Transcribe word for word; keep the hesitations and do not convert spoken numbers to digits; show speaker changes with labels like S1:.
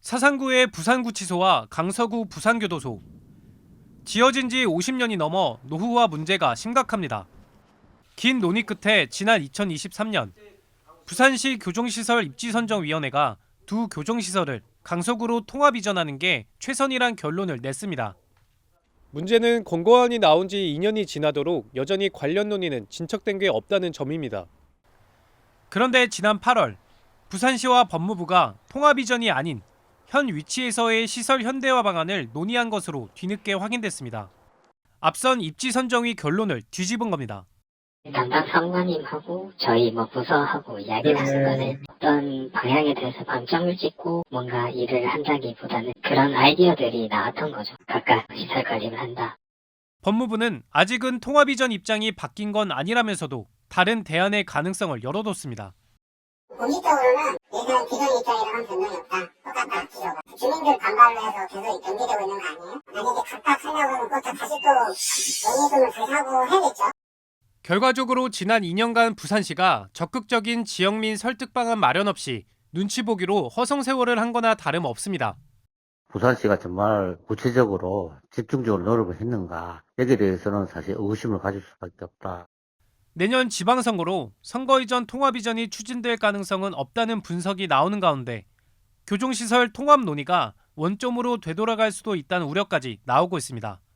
S1: 사상구의 부산구치소와 강서구 부산교도소. 지어진 지 오십 년이 넘어 노후화 문제가 심각합니다. 긴 논의 끝에 지난 이천이십삼 년 부산시 교정시설 입지선정위원회가 두 교정시설을 강서구로 통합 이전하는 게 최선이란 결론을 냈습니다. 문제는 권고안이 나온 지 이 년이 지나도록 여전히 관련 논의는 진척된 게 없다는 점입니다. 그런데 지난 팔월 부산시와 법무부가 통합 이전이 아닌 현 위치에서의 시설 현대화 방안을 논의한 것으로 뒤늦게 확인됐습니다. 앞선 입지선정위 결론을 뒤집은 겁니다.
S2: 담당 사무관님하고 저희 뭐 부서하고 이야기를 하는 거는 어떤 방향에 대해서 방점을 찍고 뭔가 일을 한다기보다는 그런 아이디어들이 나왔던 거죠. 각각 시설 관리를 한다.
S1: 법무부는 아직은 통합 이전 입장이 바뀐 건 아니라면서도 다른 대안의 가능성을 열어뒀습니다.
S3: 공식적으로는 예전 기존 입장이랑 한 변동이 없다. 똑같다, 기조가. 주민들 반발을 해서 계속 연기되고 있는 거 아니에요? 만약에 각각 하려고 하면 그것도 다시 또 논의금을 다시 하고 해야겠죠.
S1: 결과적으로 지난 이 년간 부산시가 적극적인 지역민 설득 방안 마련 없이 눈치 보기로 허송 세월을 한 거나 다름없습니다.
S4: 부산시가 정말 구체적으로 집중적으로 노력을 했는가 여기에 대해서는 사실 의구심을 가질 수밖에 없다.
S1: 내년 지방선거로 선거 이전 통합 이전이 추진될 가능성은 없다는 분석이 나오는 가운데 교정시설 통합 논의가 원점으로 되돌아갈 수도 있다는 우려까지 나오고 있습니다.